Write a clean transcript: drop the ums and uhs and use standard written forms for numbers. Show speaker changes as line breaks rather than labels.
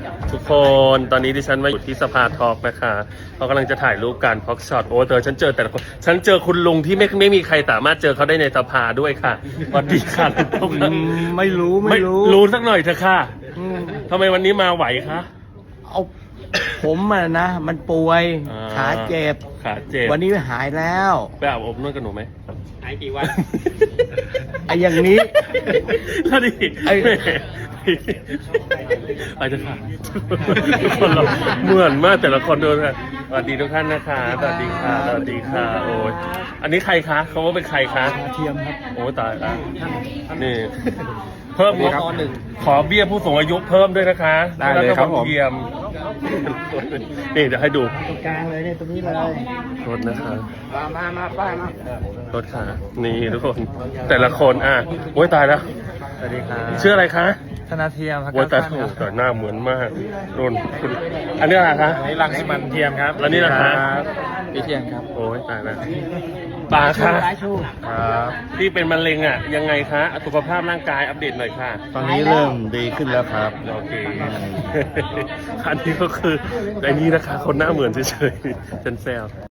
ทุกคนตอนนี้ดิฉันมาอยู่ที่สภาทอล์กนะคะเขากำลังจะถ่ายรูปกันพ็อกช็อตโอ้เธอฉันเจอแต่ละคนฉันเจอคุณลุงที่ไม่มีใครสามารถเจอเขาได้ในสภาด้วยค่ะสวัสดีค่ะ
ไม่รู้
รู้สักหน่อยเถอะค่ะทำไมวันนี้มาไหวคะ
เอาผมอะนะ มันป่วย
อ่า
ขาเจ็บ
ขาเจ็บ
วันนี้หายแล้ว
ไปอาบอบนวดกับหนูไหม
หายกี่วัน
ไอ้อย่างนี้
แล้วดิ
ไอ้
ไปเถอะค่ะทุกคนเราเหมือนมากแต่ละคนดูนะสวัสดีทุกท่านนะคะสวัสดีค่ะสวัสดีค่ะโอ้ยอันนี้ใครคะเขาว่าเป็นใครคะ
เทียมครับ
โอ้ตายละนี่ เพิ่ม
ครับ
ขอเบี้ยผู้สูงอายุเพิ่มด้วยนะคะ
ได้เลยครับผม
เยี่ยมนี่เดี๋ยวให้ดู
ตรงกลางเลยเนี่ยตรงนี้เลย
รถนะคะ
มาป้ายมาร
ถค่ะนี่ทุกคนแต่ละคนโอ้ยตายแล้ว
สวัสดีครับ
ชื่ออะไรคะ
ธนาเทียมครับ
โอ้ยตายถูกแต่หน้าเหมือนมากนุ่นคุณอันนี้อะไรคะ
นี่รังสิมันเทียมครับ
แล้วนี่นะคะ
พี่เทียมครับ
โอ้ยตายแล้วป่าค่ะ
ครับ
ที่เป็นมะเร็งยังไงคะสุขภาพร่างกายอัปเดตหน่อยค่ะ
ตอนนี้เริ่มดีขึ้นแล้วครับ
โอเคอันนี้ก็คือไอ้นี่นะคะ คนหน้าเหมือนเฉยๆฉันแซว